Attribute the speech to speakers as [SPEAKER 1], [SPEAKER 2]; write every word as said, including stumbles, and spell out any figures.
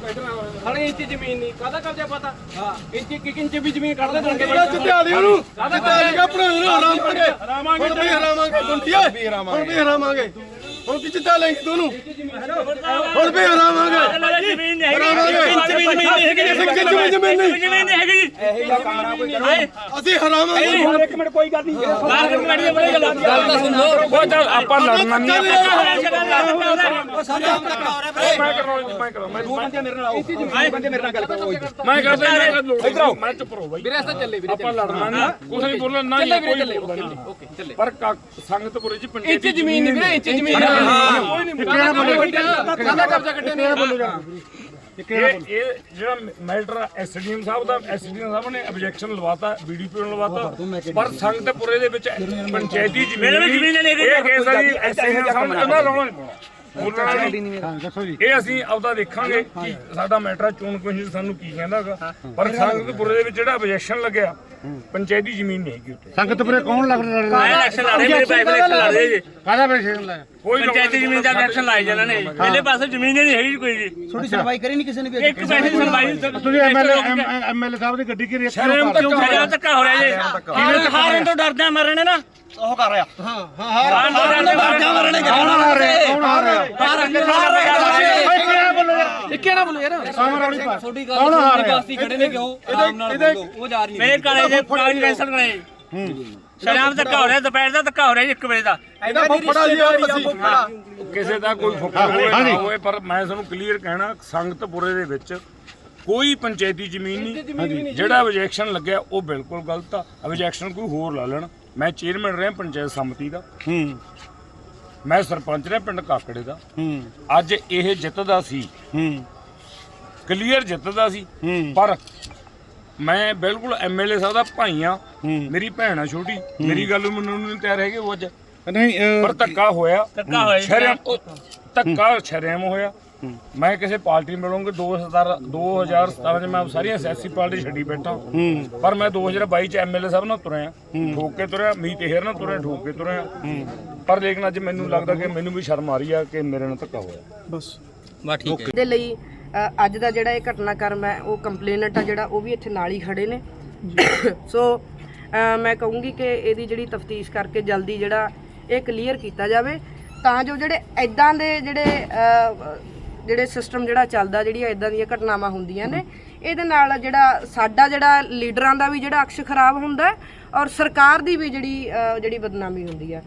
[SPEAKER 1] ਸਾਡੀ ਇੰਚ ਜ਼ਮੀਨ ਨਹੀਂ ਕਾਹਦਾ ਕਬਜ਼ਾ ਪਤਾ ਹਾਂ ਇੰਚ ਇੱਕ ਇੰਚ ਵੀ ਜ਼ਮੀਨ ਕੱਢ ਦੇ ਦਣਗੇ
[SPEAKER 2] ਚਿੱਟਿਆ ਦੀ ਉਹਨੂੰ ਚਿੱਟਿਆ ਦੀ ਆਪਣਾ ਹਰਾਮ ਕਰਾਂਗੇ ਹੁਣ ਵੀ ਹਰਾਵਾਂਗੇ ਗੁੰਟੀਆ ਹੁਣ ਵੀ ਹਰਾਵਾਂਗੇ ਹੁਣ ਕੀ ਚਿੱਟਾ ਲੈਂਗੇ ਤੂੰ ਹੁਣ ਵੀ ਹਰਾਵਾਂਗੇ
[SPEAKER 3] ਜ਼ਮੀਨ ਨਹੀਂ
[SPEAKER 2] ਹਰਾਵਾਂਗੇ
[SPEAKER 3] ਇੰਚ ਵੀ ਜ਼ਮੀਨ ਨਹੀਂ ਹੈਗੀ
[SPEAKER 2] ਇੱਕ ਇੰਚ ਵੀ ਜ਼ਮੀਨ ਨਹੀਂ
[SPEAKER 3] ਜ਼ਮੀਨ ਨਹੀਂ ਹੈਗੀ
[SPEAKER 1] ਇਹੋ ਜਿਹਾ ਕਾਰਾ ਕੋਈ ਕਰੋ
[SPEAKER 2] ਅਸੀਂ ਹਰਾਵਾਂਗੇ
[SPEAKER 1] ਹੁਣ ਇੱਕ ਮਿੰਟ ਕੋਈ ਗੱਲ ਨਹੀਂ
[SPEAKER 3] ਬਾਹਰ ਇੱਕ ਮਿੰਟ ਦੀ ਬੜੀ ਗੱਲ
[SPEAKER 1] ਗੱਲ ਤਾਂ ਸੁਣ ਲਓ
[SPEAKER 4] ਉਹ ਚੱਲ ਆਪਾਂ ਲੜਨਾ ਨਹੀਂ
[SPEAKER 2] ਉਹ ਸਾਡਾ ਧੱਕਾ ਹੋ ਰਿਹਾ
[SPEAKER 4] ਮੈਂ ਕਰਾਉਂ ਮੈਂ ਕਰਾਉਂ ਮੈਂ
[SPEAKER 1] ਦੋ ਬੰਦੇ ਮੇਰੇ ਨਾਲ ਆਓ ਦੋ ਬੰਦੇ ਮੇਰੇ ਨਾਲ ਗੱਲ ਕਰੋ
[SPEAKER 4] ਮੈਂ ਕਰਦਾ ਮੈਂ ਕਰਦਾ ਮੈਂ ਚੁੱਪ ਰਹੋ ਬਾਈ
[SPEAKER 1] ਵੀਰੇ ਅਸਾਂ ਚੱਲੇ ਵੀਰੇ
[SPEAKER 4] ਆਪਾਂ ਲੜਨਾ ਨਹੀਂ ਕੁਝ ਨਹੀਂ ਬੋਲਣਾ ਨਾ ਹੀ ਕੋਈ ਬੋਲਣਾ
[SPEAKER 1] ਓਕੇ ਚੱਲੇ
[SPEAKER 4] ਪਰ ਸੰਗਤਪੁਰੇ ਚ ਪਿੰਡ
[SPEAKER 1] ਇੰਚ ਜ਼ਮੀਨ ਨਹੀਂ ਵੀਰੇ ਇੰਚ ਜ਼ਮੀਨ
[SPEAKER 4] ਕੋਈ ਨਹੀਂ
[SPEAKER 1] ਕਾਹਦਾ ਕਬਜ਼ਾ ਕੱਢੇ ਨੇ
[SPEAKER 4] ਇਹ ਇਹ ਜਿਹੜਾ ਮੈਟਰ ਐਸਡੀਐਮ ਸਾਹਿਬ ਦਾ ਐਸਡੀਐਮ ਸਾਹਿਬ ਨੇ ਆਬਜੈਕਸ਼ਨ ਲਵਾਤਾ ਬੀਡੀਪੀ ਨੂੰ ਲਵਾਤਾ ਪਰ ਸੰਗਤਪੁਰੇ ਦੇ ਵਿੱਚ ਪੰਚਾਇਤੀ ਜ਼ਮੀਨ ਇਹ ਕੇਸ ਆ ਜੀ ਐਸਡੀਐਮ ਸਾਹਿਬ ਨੇ ਉਹਨਾਂ ਰੌਲਾ ਨਹੀਂ ਪਾਉਣਾ ਇਹ ਅਸੀਂ ਆਪਦਾ ਦੇਖਾਂਗੇ ਕਿ ਸਾਡਾ ਮੈਟਰ ਚੋਣ ਕਮਿਸ਼ਨ ਸਾਨੂੰ ਕੀ ਕਹਿੰਦਾਗਾ ਪਰ ਸੰਗਤਪੁਰੇ ਦੇ ਵਿੱਚ ਜਿਹੜਾ ਆਬਜੈਕਸ਼ਨ ਲੱਗਿਆ ਪੰਚਾਇਤੀ ਜ਼ਮੀਨ ਨਹੀਂ ਹੈਗੀ ਉੱਥੇ
[SPEAKER 2] ਸੰਗਤਪੁਰੇ ਕੌਣ ਲੱਗ ਰਿਹਾ
[SPEAKER 3] ਇਲੈਕਸ਼ਨ ਲੜ ਰਹੇ ਮੇਰੇ ਭਾਈ ਇਲੈਕਸ਼ਨ ਲੜ ਰਹੇ ਜੀ
[SPEAKER 2] ਕਾਹਦਾ ਪੈਸੇ ਲਾਇਆ
[SPEAKER 4] ਕੋਈ
[SPEAKER 3] ਪੰਚਾਇਤੀ ਜ਼ਮੀਨ ਦਾ ਇਲੈਕਸ਼ਨ ਲਾਏ ਜਾਣਾ ਨੇ ਪਹਿਲੇ ਪਾਸੇ ਜ਼ਮੀਨ ਹੀ ਨਹੀਂ ਹੈਗੀ ਕੋਈ ਜੀ
[SPEAKER 2] ਥੋੜੀ ਸੁਣਵਾਈ ਕਰੀ ਨਹੀਂ ਕਿਸੇ ਨੇ ਵੀ
[SPEAKER 3] ਇੱਕ ਪੈਸੇ ਦੀ ਸੁਣਵਾਈ
[SPEAKER 2] ਤੁਸੀਂ ਐਮਐਲਏ ਐਮਐਲਏ ਸਾਹਿਬ ਦੀ ਗੱਡੀ ਘੇਰੀ
[SPEAKER 3] ਸ਼ਰਮ ਕਿਉਂ ਖੜਿਆ ਧੱਕਾ ਹੋ ਰਿਹਾ ਜੀ ਹਾਰਨ ਹਾਰਨ ਤੋਂ ਡਰਦੇ ਆ ਮਰਨੇ ਨਾ
[SPEAKER 2] ਉਹ ਕਰ ਰਿਹਾ ਹਾਂ ਹਾਂ
[SPEAKER 3] ਹਾਰਨ ਤੋਂ ਡਰਦੇ ਆ ਮਰਨੇ
[SPEAKER 2] ਕੌਣ ਆ ਰਿਹਾ ਕੌਣ ਆ ਰਿਹਾ
[SPEAKER 1] ਇਹ ਕਿਹੜਾ ਬੋਲੋ ਯਾਰ
[SPEAKER 2] ਤੁਹਾਡੀ ਗੱਲ ਕੌਣ ਆ ਰਿਹਾ
[SPEAKER 1] ਖੜੇ ਨੇ ਕਿਉਂ ਆਰਾਮ ਨਾਲ ਬੋਲੋ ਉਹ ਜਾ ਰਹੀ
[SPEAKER 3] ਮੇਰੇ ਕਾਲੇ ਦੇ ਕਾਗਜ਼ ਕੈਂਸਲ ਕਰਾਏ ਸ਼ਰਾਬ ਧੱਕਾ ਹੋ ਰਿਹਾ ਦੁਪਹਿਰ ਦਾ ਧੱਕਾ ਹੋ ਰਿਹਾ ਇੱਕ ਵਜੇ ਦਾ
[SPEAKER 2] ਇਹਦਾ ਫੁੱਫੜਾ ਜੀ ਯਾਰ ਅਸੀਂ
[SPEAKER 4] ਕਿਸੇ ਦਾ ਕੋਈ ਫੁੱਫੜ ਹੋਵੇ ਨਾ ਹੋਵੇ ਪਰ ਮੈਂ ਤੁਹਾਨੂੰ ਕਲੀਅਰ ਕਹਿਣਾ ਸੰਗਤਪੁਰੇ ਦੇ ਵਿੱਚ ਕੋਈ ਪੰਚਾਇਤੀ ਜ਼ਮੀਨ ਨਹੀਂ ਜਿਹੜਾ ਆਬਜੈਕਸ਼ਨ ਲੱਗਿਆ ਉਹ ਬਿਲਕੁਲ ਗਲਤ ਆ ਆਬਜੈਕਸ਼ਨ ਕੋਈ ਹੋਰ ਲਾ ਲੈਣ ਮੈਂ ਚੇਅਰਮੈਨ ਰਿਹਾ ਪੰਚਾਇਤ ਸਮਿਤੀ ਦਾ
[SPEAKER 2] ਹੂੰ
[SPEAKER 4] ਮੈਂ ਸਰਪੰਚ ਰਿਹਾ ਪਿੰਡ ਕਾਕੜੇ ਦਾ
[SPEAKER 2] ਹੂੰ
[SPEAKER 4] ਅੱਜ ਇਹ ਜਿੱਤਦਾ ਸੀ
[SPEAKER 2] ਹੂੰ
[SPEAKER 4] ਕਲੀਅਰ ਜਿੱਤਦਾ ਸੀ
[SPEAKER 2] ਹੂੰ
[SPEAKER 4] ਪਰ ਮੈਂ ਬਿਲਕੁਲ ਐਮਐਲਏ ਸਾਹਿਬ ਦਾ ਭਾਈ ਆ
[SPEAKER 2] ਹੂੰ
[SPEAKER 4] ਮੇਰੀ ਭੈਣ ਆ ਛੋਟੀ ਮੇਰੀ ਗੱਲ ਨੂੰ ਮੰਨਣ ਨੂੰ ਨਹੀਂ ਤਿਆਰ ਹੈਗੇ ਉਹ ਅੱਜ
[SPEAKER 2] ਨਹੀਂ
[SPEAKER 4] ਪਰ ਧੱਕਾ ਹੋਇਆ
[SPEAKER 3] ਧੱਕਾ ਹੋਇਆ
[SPEAKER 4] ਸ਼ਰਮ ਧੱਕਾ ਸ਼ਰਮ ਹੋਇਆ ਮੈਂ ਕਿਸੇ ਪਾਰਟੀ ਮਿਲੂੰਗਾ ਦੋ ਹਜ਼ਾਰ ਸਤਾਰਾਂ ਚ ਮੈਂ ਸਾਰੀਆਂ ਸਿਆਸੀ ਪਾਰਟੀ ਛੱਡੀ ਬੈਠਾ ਪਰ ਮੈਂ ਦੋ ਹਜ਼ਾਰ ਬਾਈ ਚ ਐਮਐਲਏ ਸਾਹਿਬ ਨਾਲ ਤੁਰਿਆ ਠੋਕ ਕੇ ਤੁਰਿਆ ਮੀਤ ਹੇਰ ਨਾਲ ਤੁਰਿਆ ਠੋਕ ਕੇ ਤੁਰਿਆ ਪਰ ਲੇਕਿਨ ਅੱਜ ਮੈਨੂੰ ਲੱਗਦਾ ਕਿ ਮੈਨੂੰ ਵੀ ਸ਼ਰਮ ਆ ਰਹੀ ਆ ਕਿ ਮੇਰੇ ਨਾਲ ਧੱਕਾ ਹੋਇਆ
[SPEAKER 2] ਬਸ
[SPEAKER 5] ਬਾ ਠੀਕ ਹੈ ਦੇ ਲਈ ਅ, ਅੱਜ ਦਾ ਜਿਹੜਾ ਇਹ ਘਟਨਾਕ੍ਰਮ ਹੈ ਉਹ ਕੰਪਲੇਨਟ ਆ ਜਿਹੜਾ ਉਹ ਵੀ ਇੱਥੇ ਨਾਲ ਹੀ ਖੜੇ ਨੇ ਸੋ ਅ, ਮੈਂ ਕਹੂੰਗੀ ਕਿ ਇਹਦੀ ਜਿਹੜੀ ਤਫਤੀਸ਼ ਕਰਕੇ ਜਲਦੀ ਜਿਹੜਾ ਇਹ ਕਲੀਅਰ ਕੀਤਾ ਜਾਵੇ ਤਾਂ ਜੋ ਜਿਹੜੇ ਐਦਾਂ ਦੇ ਜਿਹੜੇ ਅ, ਜਿਹੜੇ ਸਿਸਟਮ ਜਿਹੜਾ ਚੱਲਦਾ ਜਿਹੜੀਆਂ ਇਦਾਂ ਦੀਆਂ ਘਟਨਾਵਾਂ ਹੁੰਦੀਆਂ ਨੇ ਇਹਦੇ ਨਾਲ ਜਿਹੜਾ ਸਾਡਾ ਜਿਹੜਾ ਲੀਡਰਾਂ ਦਾ ਵੀ ਜਿਹੜਾ ਅਕਸ਼ ਖਰਾਬ ਹੁੰਦਾ ਔਰ ਸਰਕਾਰ ਦੀ ਵੀ ਜਿਹੜੀ ਜਿਹੜੀ ਬਦਨਾਮੀ ਹੁੰਦੀ ਹੈ।